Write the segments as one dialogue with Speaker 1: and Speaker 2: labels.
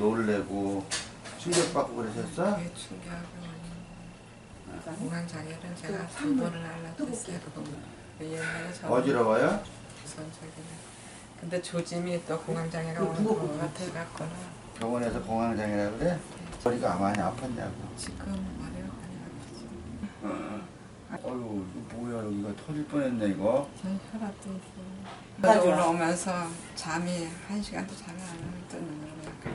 Speaker 1: 놀래고 충격받고 그러셨어?
Speaker 2: 예, 충격하고 공황장애는 제가 3번을 알았어요. 옛날에 저
Speaker 1: 어지러워요?
Speaker 2: 선적이네. 근데 조짐이 또 공황장애가 오는 것 같아갖고는
Speaker 1: 병원에서 공황장애라 그래? 머리가 많이 아팠냐고.
Speaker 2: 지금 머리가 많이 아프지.
Speaker 1: 어휴 이거 뭐야 여기가 터질 뻔했네 이거.
Speaker 2: 저희 혈압도 있어요. 올라오면서 잠이 1시간도 잠이 안 오면 또 눈으로 약간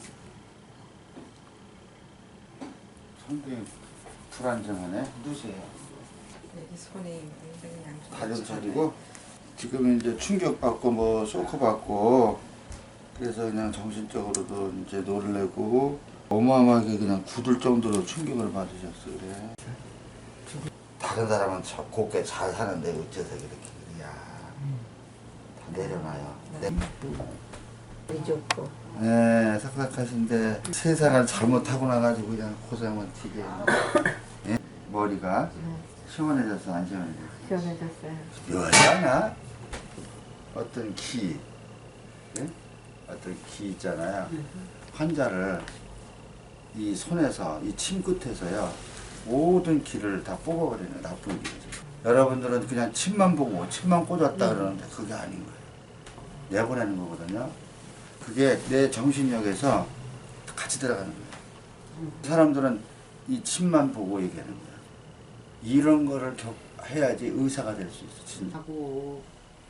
Speaker 1: 상당히 불안정하네. 누구세요?
Speaker 2: 여기 손이 굉장히 양쪽
Speaker 1: 다리 저리고 지금 이제 충격받고 뭐 쇼크받고 그래서 그냥 정신적으로도 이제 놀래고 어마어마하게 그냥 굳을 정도로 충격을 받으셨어 그래. 다른 사람은 곱게 잘 사는데 어째서 그렇게 야 다 내려놔요.
Speaker 3: 좋고.
Speaker 1: 네, 삭삭하신데 세상을 잘못하고 나가지고 그냥 고생만 튀게. 예? 머리가 시원해졌어 안 시원해졌어?
Speaker 3: 시원해졌어요.
Speaker 1: 여자나 어떤 기, 예? 어떤 기 있잖아요. 환자를 이 손에서 이 침 끝에서요 모든 기를 다 뽑아버리는 나쁜 기를. 여러분들은 그냥 침만 보고 침만 꽂았다 그러는데 그게 아닌 거예요. 내보내는 거거든요. 그게 내 정신력에서 같이 들어가는 거예요. 사람들은 이 침만 보고 얘기하는 거예요. 이런 거를 해야지 의사가 될 수 있어. 진짜.
Speaker 3: 하고.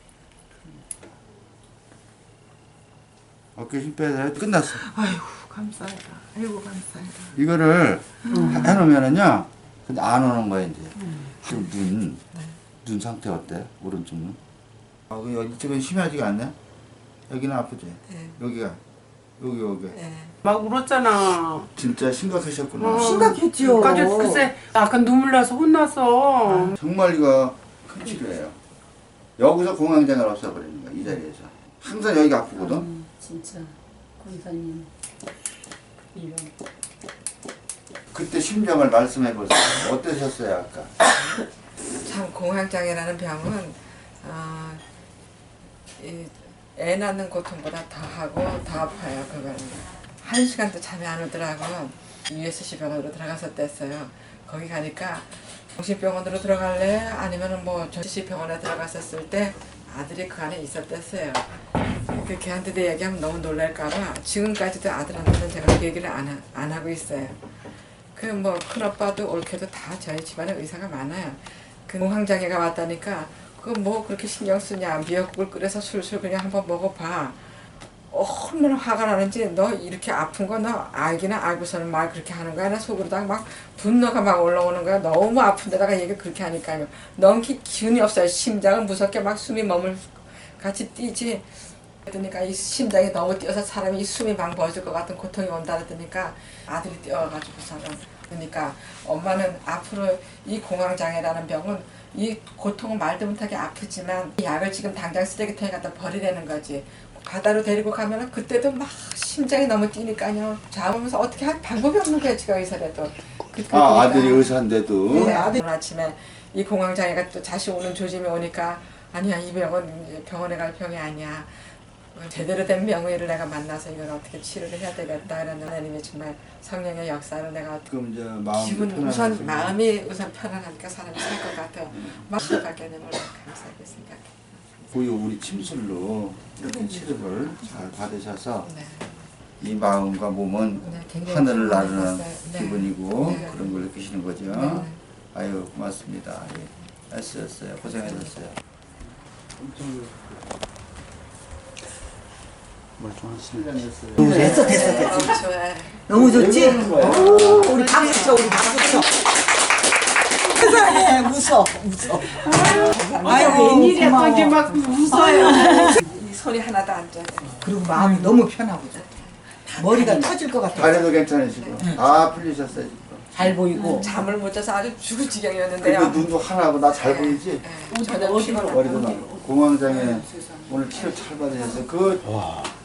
Speaker 1: 어깨 힘 빼서 끝났어.
Speaker 2: 아이고 감사하다. 아이고 감사하다.
Speaker 1: 이거를 해놓으면은요, 근데 안 오는 거야 이제. 지금 눈 상태 어때? 오른쪽 눈? 이쪽은 심하지가 않네. 여기는 아프지?
Speaker 2: 네.
Speaker 1: 여기가 여기.
Speaker 2: 네.
Speaker 4: 막 울었잖아.
Speaker 1: 진짜 심각하셨구나.
Speaker 3: 심각했죠.
Speaker 4: 글쎄 약간 눈물 나서 혼나서.
Speaker 1: 정말 이거 큰 치료예요. 여기서 공황장애를 없애버리는 거야 이 자리에서. 항상 여기가 아프거든.
Speaker 3: 진짜 권사님 이런.
Speaker 1: 그때 심정을 말씀해 보세요. 어떠셨어요 아까?
Speaker 2: 참 공황장애라는 병은 애 낳는 고통보다 더 하고 더 아파요. 그거는 1시간도 잠이 안 오더라고. USC 병원으로 들어갔었댔어요. 거기 가니까 정신병원으로 들어갈래? 아니면은 뭐 정신시 병원에 들어갔었을 때 아들이 그 안에 있었댔어요. 그 걔한테 내 얘기하면 너무 놀랄까봐 지금까지도 아들한테는 제가 그 얘기를 안 하고 있어요. 그 뭐 큰오빠도 옳게도 다 저희 집안에 의사가 많아요. 그 공황장애가 왔다니까 그거 뭐 그렇게 신경 쓰냐. 미역국을 끓여서 술술 그냥 한번 먹어봐. 얼마나 화가 나는지 너 이렇게 아픈 거 너 알기는 알고서는 막 그렇게 하는 거야. 나 속으로다가 막 분노가 막 올라오는 거야. 너무 아픈데다가 얘기 그렇게 하니까요. 너무 기운이 없어요. 심장은 무섭게 막 숨이 같이 뛰지. 그러니까 이 심장이 너무 뛰어서 사람이 이 숨이 막 멎을 것 같은 고통이 온다 그러니까 아들이 뛰어가지고서는 그러니까 엄마는 앞으로 이 공황장애라는 병은 이 고통은 말도 못하게 아프지만 이 약을 지금 당장 쓰레기통에 갖다 버리라는 거지. 바다로 데리고 가면은 그때도 막 심장이 너무 뛰니까요. 잡으면서 어떻게 할 방법이 없는 거야 지가 의사라도.
Speaker 1: 아들이 의사인데도.
Speaker 2: 네, 오늘 아침에 이 공황장애가 또 다시 오는 조짐이 오니까 아니야 이 병은 병원에 갈 병이 아니야. 제대로 된 명의를 내가 만나서 이걸 어떻게 치료를 해야 되겠다 이런 하나님의 정말 성령의 역사를 내가
Speaker 1: 지금 이제 마음이
Speaker 2: 기분 우선 마음이 우선 편안하니까 사람이 살 것 같아요. 막 시작하게 되면 감사하게 생각해.
Speaker 1: 고유 우리 침술로 이렇게 치료를 잘 받으셔서
Speaker 2: 네.
Speaker 1: 이 마음과 몸은
Speaker 2: 네, 굉장히
Speaker 1: 하늘을 나르는
Speaker 2: 감사했어요. 네.
Speaker 1: 기분이고
Speaker 2: 네.
Speaker 1: 그런 걸 느끼시는 거죠.
Speaker 2: 네.
Speaker 1: 아유 고맙습니다. 예. 애쓰셨어요. 고생하셨어요. 멀쩡하시네.
Speaker 2: 됐어. 좋아요.
Speaker 3: 너무 좋지? 오, 우리 박수 쳐, 우리 박수 쳐. 세상에, 웃어.
Speaker 4: 아이고 웬일이야 또 이제 막 웃어요.
Speaker 2: 이 손이 하나도 안 쪄요.
Speaker 3: 그리고 마음이 너무 편하고 머리가 터질 것 같아.
Speaker 1: 다리도 괜찮으시고 다 풀리셨어요. 지금.
Speaker 3: 잘 보이고.
Speaker 2: 잠을 못 자서 아주 죽을 지경이었는데요.
Speaker 1: 그리고 눈도 하나고 나 잘 보이지?
Speaker 2: 전혀 피곤하고
Speaker 1: 머리도 나고 공황장애 오늘 치료 잘 받으셔서 그